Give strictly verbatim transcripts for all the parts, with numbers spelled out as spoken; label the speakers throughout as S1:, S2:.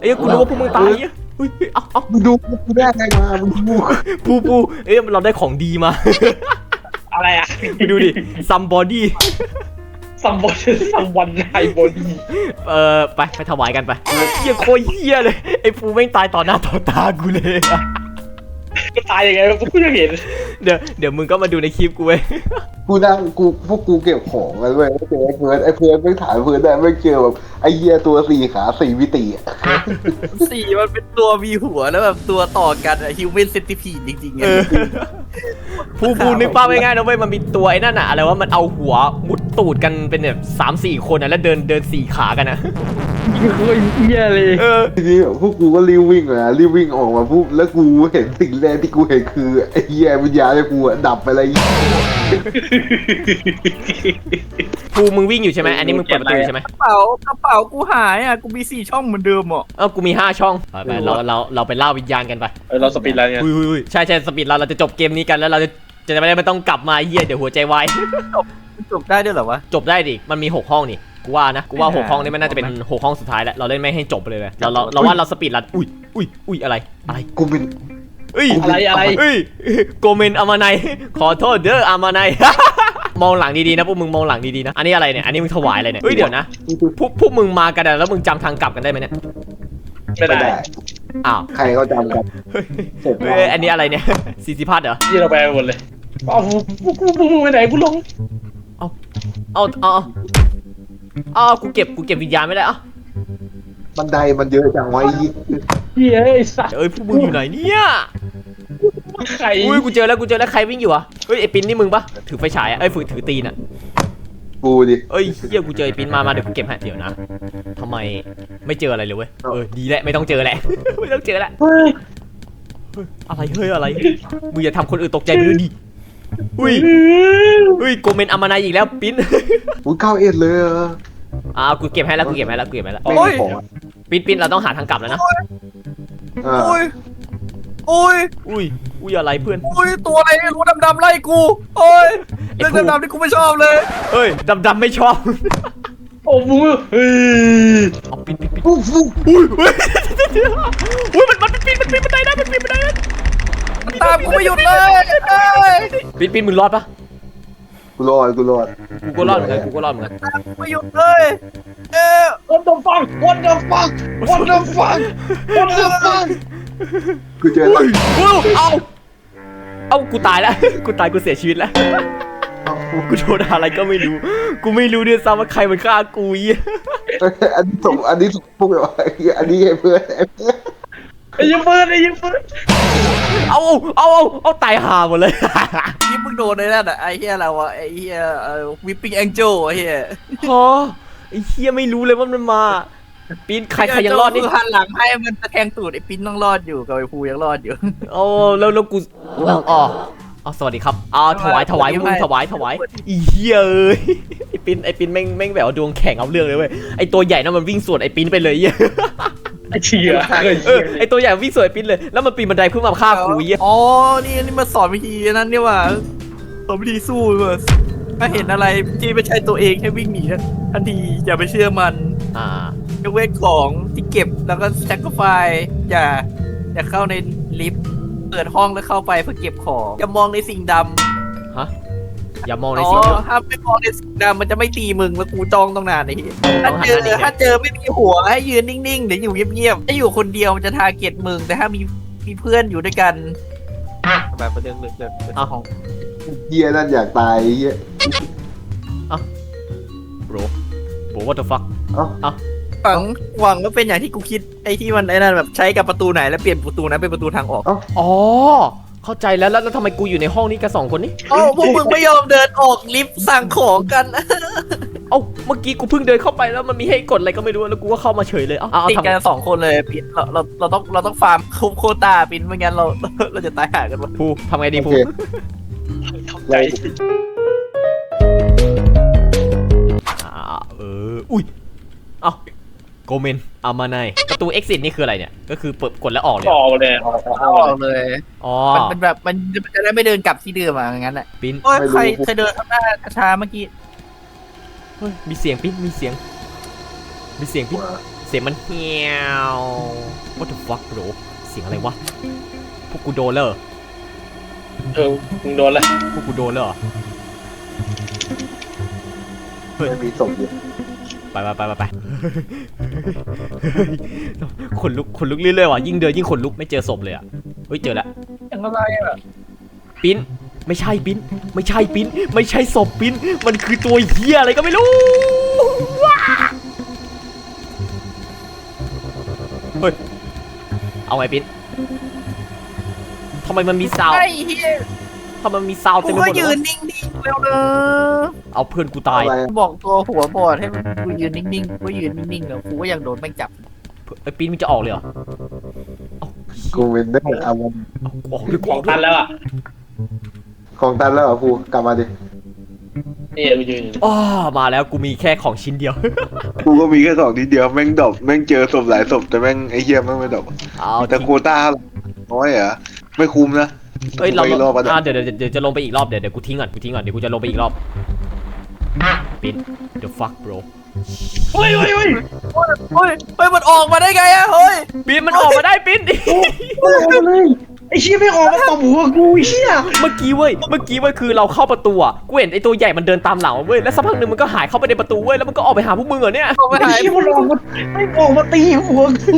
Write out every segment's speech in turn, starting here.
S1: อ้ยกูรู้ว่าพวกมึงตายอ่ะเฮ้ยเอาเอา
S2: มึงดูกูได้ไงมามึงดู
S1: ปูปูเอ้ยเราได้ของดีมา
S3: อะไรอ่ะ
S1: ไปดูดิ somebody
S3: ซัมบอนซัมวันไฮบอดี้
S1: เออไปไปถวายกันไปเฮียโคตรเฮียเลยไอ้ปูแม่งตายต่อหน้าต่อตากูเลย
S3: ก็ตายยังไงกูยังเห็น
S1: เดี๋ยวเดี๋ยวมึงก็มาดูในคลิปกูเว้ย
S2: กูนั่งกูพวกกูเก็บของกันเว้ยเจอไอ้เพื่อนไอ้เพื่อนไม่ถ่ายเพื่อนได้ไม่เจอแบบไอ้เหี้ยตัวสี่ขาสี่มิติอะ
S4: สี่มันเป็นตัวมีหัวแล้วแบบตัวต่อกันอะฮิวแมนเซนติพีดจริงๆไง
S1: เออปูปูนึกภาพง่ายๆนะเว้ยมันมีตัวไอ้นั่นอะอะไรว่ามันเอาหัวมุดตูดกันเป็นแบบสามสี่คนอะแล้วเดินเดินสี่ขากันนะ
S3: โคตรเหี้ยเลย
S1: เออ
S2: ทีนี้แบบพวกกูก็รีบวิ่งเลยนะรีบวิ่งออกมาปุ๊บแล้วกูเห็นสิ่งแรกที่กูเห็นคือไอ้เหี้ยวิญญาณไอ้กูอะดับไปเลย
S1: ปูมึงวิ่งอยู่ใช่ไหมอันนี้มึงเปิดประตูอยู่ใช่ไหม
S4: กระเป๋ากระเป๋ากูหายอ่ะกูมีสี่ช่องเหมือนเดิมอ่ะ
S1: เออกูมีห้าช่องไปไปเราเราเราไปล่าวิญญาณกันไป
S3: เออเราสปีดแล้วเนี่ย
S1: อุ้ยอุ้ยอุ้ยใช่ใช่สปีดเราเราจะจบเกมนี้กันแล้วเราจะจะไม่ได้ไม่ต้องกลับมาเยี่ยเดี๋ยวหัวใจวาย
S4: มันจบได้ด้วยเหรอวะ
S1: จบได้ดิมันมีหกห้องนี่กูว่านะกูว่าหกห้องนี่มันน่าจะเป็นหกห้องสุดท้ายแล้วเราเล่นไม่ให้จบไปเลยเลยเราเราเราว่าเราสปีดรันอุ้ยอุ้ยอุ้ยอะไรอะไร
S2: กูเป็น
S1: เอ้ย
S3: อะไรอะไร
S1: เอ้ยโกเมนอามาไนขอโทษเด้ออามาไน มองหลังดีๆนะพวกมึงมองหลังดีๆนะอันนี้อะไรเนี่ยอันนี้มึงถวายอะไรเนี่ยเฮ้ยเดี๋ยวนะพวกพวกมึงมากันอะแล้วมึงจำทางกลับกันได้ไหมเนี่ย
S3: ไม่ได้
S1: อ้าว
S2: ใครเขาจำกันเสร็จ
S1: เฮ้ยอันนี้อะไรเนี่ย ซีซีพัทเหรอ
S3: ยี่เราไปหมดเลยเอากูกูกูไปไหนกูลง
S1: เอาเอาเอาเอากูเก็บกูเก็บวิญญาณไม่ได้อะ
S2: บันไดมันเยอะจังวะไอ้เหี้ย
S3: เหี้ยไอ้สัส
S1: เอ้ยพวกมึงอยู่ไหนเนี่ย
S3: ใคร
S1: อุ้ยกูเจอแล้วกูเจอแล้วใครวิ่งอยู่อะเฮ้ยไอปินนี่มึงปะถือไฟฉายอะเอ้ยฝืนถือตีนอะ
S2: กูดิ
S1: เอ้ยเฮียกูเจอไอปินมามาเดี๋ยวกูเก็บให้เดี๋ยวนะทำไมไม่เจออะไรเลยเว้ยเออดีแหละไม่ต้องเจอแหละ ไม่ต้องเจอแหละ
S3: เฮ้ย
S1: อะไรเฮ้ยอะไรมึงอย่าทำคนอื่นตกใจไปด้วยดิอุ้ยอุ้ยโกเมนอามาไนอีกแล้วปิน
S2: กูเก้าเอ็ดเลยเหรอ
S1: อ่ากูเก็บให้แล้วกูเก็บให้แล้วกูเก็บให้แล้ว
S2: ไม่มีของอะ
S1: ปินปินเราต้องหาทางกลับแล้วนะ
S2: อ่า
S4: โอ้ยโอ้ย
S1: อุ้ยอุ้ยอะไรเพื่อน
S4: โอ้ยตัวอะไรไม่รู้ดำๆไล่กูโอ้ยเรื่องดำๆที่กูไม่ชอบเลย
S1: เอ้ยดำดำไม่ชอบ
S3: โอ้มึงเฮ้ย
S1: เอาปินปินปิน
S2: ปุ๊บปุ๊บ
S1: อุ้ยอุ้ยอุ้ยมันมันปีนมันปีนบันไดได้มันปีนบันไดได้
S4: มันตามกูไม่หยุดเลยเอ้ย
S1: ปีนปีนมึงรอดปะ
S2: กูรอดกูรอด
S1: กูก็รอดเหมือนกันกูก็รอดเหมือนกัน
S4: ตามกูไม่หยุดเลยเอ๊ะ
S3: วันเดอร์ฟังวันเดอร์ฟังวันเดอร์ฟังวันเดอร์ฟัง
S2: กูเจอ
S1: อุ้
S2: แล้ว
S1: ยอุ้ยเอาเอากูตายแล้วกูตายกูเสียชีวิตแล้วกูโดนอะไรก็ไม่รู้กูไม่รู้ด้วยซ้ำว่าใครมันฆ่ากูยี่
S2: อันนี้ส่งอันนี้ส่งพวกแบบว่าอันนี้ไอ้เพื่อนไอ้เพื่อน
S3: ไอ้ยังเฟิร์นไอ้ยังเฟิร์น
S1: เอาเอาเอาเอาตายห่าหมดเลย
S4: นี่มึงโดนในนั่นอ่ะไอ้เหี้ยอะไรวะไอ้เหี้ยวิปปิ้งแองเจิลไอ้เหี้ย
S1: ฮะไอ้เหี้ยไม่รู้เลยว่ามันมาปีนใครใครยังรอดนี่
S4: หันหลังให้มันตะแคงตูดไอ้ปิ้นต้องรอดอยู่กับไอ้ภูยังรอดอยู่
S1: โอ้แล้วแล้วกูอ๋ออ๋อสวัสดีครับอ๋อถวายถวายมึงถวายถวายอีเหี้ยเอ้ยไอ้ปินไอ้ปินแม่งแม่งแบบดวงแข่งเอาเรื่องเลยเว้ยไอ้ตัวใหญ่นั่นมันวิ่งสวนไอ้ปินไปเลยเหี้ย
S3: ไอ้เชี่ย
S1: เออไอ้ตัวใหญ่วิ่งสวนไอ้ปินเลยแล้วมันปีนบันไดเพื่อมาฆ่ากูเหี้ย
S4: อ๋อนี่นี่มาสอนวิธีนั้นนี่ว่าสอนวิธีสู้เว้ยถ้าเห็นอะไรที่ไม่ใช่ตัวเองให้วิ่งหนีทันทีอย่าไปเชื่อมัน
S1: อ่าย
S4: กเว้นของที่เก็บแล้วก็แซกไฟอย่าอย่าเข้าในลิฟต์เปิดห้องแล้วเข้าไปเพื่อเก็บของอย่ามองในสิ่งดำ
S1: ฮะอย่ามองใน
S4: อ๋
S1: สิ่งที่
S4: อถ้าไม่มองในสิ่งดำมันจะไม่ตีมึงแล้วกูจ้องต้องนานไอ้เหี้ย
S1: ต้
S4: ถ้า
S1: องหัน
S4: เจอ
S1: หน้าหนีไง
S4: ถ้าเจอไม่มีหัวให้ยืนนิ่งๆเดี๋ยวอยู่เงียบๆถ้าอยู่คนเดียวมันจะทาร์เก็ตมึงแต่ถ้ามีมีเพื่อนอยู่ด้วยกันแบบเรื่องเรื่องเรื่องเรื่องของ
S2: เหี้ยนั่นอยากตายไอ้เหี้ย
S1: โบรโบ what the fuck
S2: เอ้า
S1: เอ้า
S4: หวังหวังว่าเป็นอย่างที่กูคิดไอ้ที่มันไอ้นั่นแบบใช้กับประตูไหนแล้วเปลี่ยนประตูนั้นเป็นประตูทางออก
S1: อ๋อเข้าใจแล้วแล้วแล้วทำไมกูอยู่ในห้องนี้กับสองคนนี้
S4: โอ้พวกมึงไม่ยอมเดินออกลิฟต์สั่งของกัน
S1: เอ้าเมื่อกี้กูเพิ่งเดินเข้าไปแล้วมันมีให้กดอะไรก็ไม่รู้แล้วกูก็เข้ามาเฉยเลยเอ้าเอา
S4: ติด
S1: ทำ
S4: กันสองคนเลยปินเราเราเราต้องเราต้องฟาร์มคุบโคตาปินไม่งั้นเราเราจะตายห่ากันหมด
S1: ภูทำไงดี
S2: โอ
S1: ภู
S2: เค
S3: เข้าใจ
S1: อ่าเอออุ้ยเอ้าโกเมนอามาไนประตู exit นี่คืออะไรเนี่ยก็คือเปิดกดแล้วออกเลย
S3: ออกเลยออก
S4: เอาออกเลย
S1: อ๋อ
S4: มันเป็นแบบมันมันจะได้ไม่เดินกลับที่เดิมอ่ะงั้นแหละ
S1: ปิ้น
S4: โอ้ยใครใครเดินข้างหน้าช้าเมื่อกี้
S1: เฮ้ยมีเสียงปิ้นมีเสียงมีเสียงปิ้นเสียงมันเฮียว fuck bro เสียงอะไรวะพวกกูโดนเลย
S3: เออมึงโดนแล้ว
S1: พวกกูโดนเลยเหรอ
S2: ไม่มีศพอยู่
S1: ไปไปไปไปไปขนลุกขนลุกเรื่อยๆว่ะยิ่งเดินยิ่งขนลุกไม่เจอศพเลยอ่ะเฮ้ยเจอแล้ว
S3: อย่างอะไรอ่ะ
S1: ปิ้นไม่ใช่ปิ้นไม่ใช่ปิ้นไม่ใช่ศพปิ้นมันคือตัวเหี้ยอะไรก็ไม่รู้เฮ้ยเอาไงปิ้นทำไมมันมีซาว
S4: ไอ้เฮีย
S1: ทำไมมันมีซาว
S4: กู
S1: เต็มไปห
S4: ก็
S1: มดเล
S4: ยื
S1: ย
S4: นนิ่งๆแล้วเนอะ
S1: เอาเพื่อนกูตาย
S2: อะไร
S4: กูบอกตัวหัวบอดให้มันกูยืนนิ่งๆกูก็ยืนนิ่งๆแล้วกูก็ยังโดนแม่งจับ
S1: ไอ้ปิ้นมันจะออกเลยเหรอเอา
S2: กูเป็นได้เอามัน
S1: เอาออกด้วย
S3: ข
S1: ข
S3: อ
S1: อง ง
S3: ตันแล้วอ่ะ
S2: ของตันแล้วเหรอกูกลับมาดิ
S3: นี่กูยืนอยู่
S1: อ้อมาแล้วกูมีแค่ของชิ้นเดียว
S2: กูก็มีแค่สองนิดเดียวแม่งดรอปแม่งเจอศพหลายศพแต่แม่งไอ้เหี้ยแม่งไม่ดรอป
S1: เอา
S2: แต่
S1: ทิ้ง
S2: โควต้าน้อยเหรอไม่คุ้มนะ
S1: เอ้ยเรา
S2: ไปรอบอ่ะ
S1: อ่าเดี๋ยวเดี๋ยวเดี๋ยวจะลงไปอีกรอบเดี๋ยวเดี๋ยวกูทิ้งก่อนกูทิ้งก่อนเดี๋ยวกูจะลงไปอีกรอบปิ้น the fuck bro
S3: เฮ้ยเฮ้ยเฮ้ย
S4: เฮ้ยเฮ้ยมันออกมาได้ไงอะเฮ้ย
S1: ปิ้นมันออกมาได้ปิ้น
S3: ไอ้เชี่ยไม่ออกมาตบหัวกูไอ้เชี่ย
S1: เมื่อกี้เว้ยเมื่อกี้เว้ยคือเราเข้าประตูอ่ะกูเห็นไอ้ตัวใหญ่มันเดินตามหลังเว้ยแล้วสักพักหนึ่งมันก็หายเข้าไปในประตูเว้ยแล้วมันก็ออกไปหาพวกมึงเหรอเนี่ย
S4: ออกมา
S3: ไอ้
S4: หาย
S3: เชี่ยมันออกมาไม่ออกมาตีหัวกู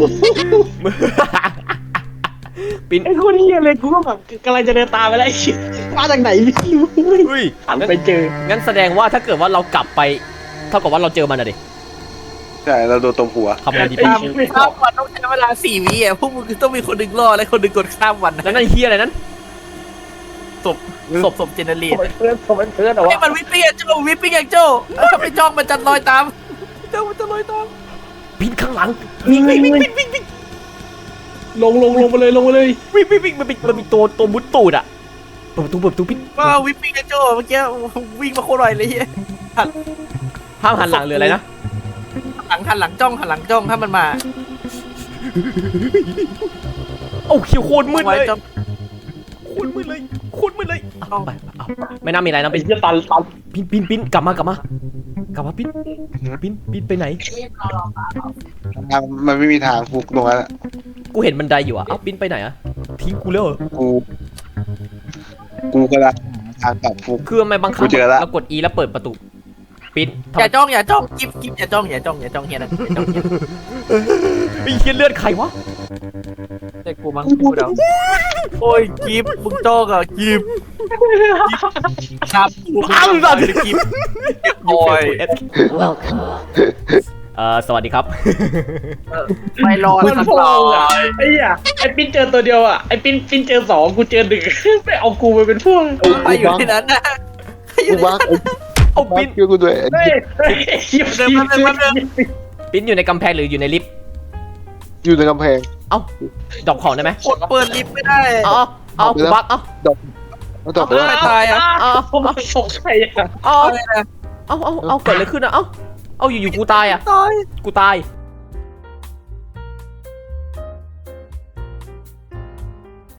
S1: ปิ้น
S3: ไอ้คนเฮียเลยกูก็แบบกำลังจะเดินตามไปแล้วไอ้เชี่ยมาจากไหนไม่รู้
S1: เฮ้ย
S3: หันไปเจอ
S1: งั้นแสดงว่าถ้าเกิดว่าเรากลับไปเท่ากับว่าเราเจอมันอะดิ
S2: ใช่เราโดนตบหัว
S1: ทำไงดีปิ้น
S4: ข้ามวันต้องใช้เวลาสี่วิอ่ะพวกมึงต้องมีคนหนึ่งรอดและคนหนึ่งกดข้ามวันนะ
S1: แล้วนั่นเฮียอะไรนั้น
S4: ศพศพศพเจเนเรต
S3: ผมเป็นเพื่อนผมเป็นเพื่อนเหรอ
S4: ไอ้
S3: วะ
S4: มันวิปปิ้งอย่างโจ้วิปปิ้งอย่างโจ้ถ้าไปจ้องมันจะลอยตามเจ้ามันจะลอยตาม
S1: ปิ้นข้างหลังวิ่งวิ่งวิ่งวิ่งวิ่งวิ่ง
S3: ลงลงลงไปเลยลงไปเลย
S1: วิ่งวิ่งวิ่งมันมีมันมีตัวตัวมุดตูดอะเปิดประตูเปิดประตูปิ้น
S4: ว่าวิปปิ้งอย่างโจ้เมื่อกี้วิ่งมาโคตรไวเลยเฮีย
S1: ห้ามหันหลังหรืออะไรนะ
S4: หลังหันหลังจ้องหันหลังจ้องถ้ามันมา
S1: โอ้เขียวโคตรมืด
S4: ไว้
S1: เลย
S4: จ้อง
S1: โคตรมืดเลยโคตรมืดเลยเอาไปเอาไม่น่ามีอะไรนะ
S3: ไอ้
S1: ปิ้น
S3: เชี่ยตันตัน
S1: ปิ้นปิ้นปิ้นกลับมากลับมากลับมาปิ้นปิ้นปิ้นไปไหน
S2: มันไม่มีทางฟุกตรงนั้นอะ
S1: กูเห็นบันไดอยู่อะเอ้าปิ้นไปไหนอะทิ้งกูแล้วเหรอ
S2: กูกูกำลังหาทางกลับฟุก
S1: คือทำไมบางครั้
S2: กู
S1: ง
S2: เจอละ
S1: เรากด E แล้วเปิดประตูปิ้นทำ
S4: อย่าจ้องอย่าจ้องกิฟกิฟอย่าจ้องอย่าจ้องอย่าจ้องเฮียนั่นอย่าจ้องเฮีย
S1: ไอ้เหี้ยเลือดใครวะ
S4: เด็กกูมั้งกูเดาโอ้ยกิฟมึงจ้องอ่ะกิฟครับอ้าวสัตว์กิฟโอ้ย
S1: เอ่อสวัสดีครับ
S4: ไม่รอด
S3: มัน
S4: สัก
S3: พ
S4: ร
S3: อ
S4: อบ
S3: อ่ะไอ้เหี้ยไอ้ปิ้นเจอตัวเดียวอ่ะไอ้ปิ้นปิ้นเจอสองกูเจอหนึ่งไม่เอากูไปเป็นพวก
S4: ใครอยู่ที่นั้นนะ
S2: กูบัก
S1: เอา
S2: บั
S1: ปิ้
S2: ก
S1: น
S2: ช่วยกูด้วย
S3: เฮ้ยเฮ้ยไอ้เหี้ย
S4: เดินมาเดินมาเดิน
S1: ปิ้นอยู่ในกำแพงหรืออยู่ในลิฟต์
S2: อยู่ในกำแพง
S1: เอ้าดรอปของได้ไหม
S4: กดเปิดลิฟต์ไม่ได้
S1: เอาเอาเอากูบักเอา
S2: แล้วต่อไป
S4: ไม่ตายอ่ะ
S1: เอา
S3: ผมสงสัยอ่ะ
S1: เอา
S4: อะไรนะ
S1: เอาเอาเอาเกิดอะไรขึ้นอะเอาเอาอยู่ๆกูตายอะ
S4: ตาย
S1: กูตาย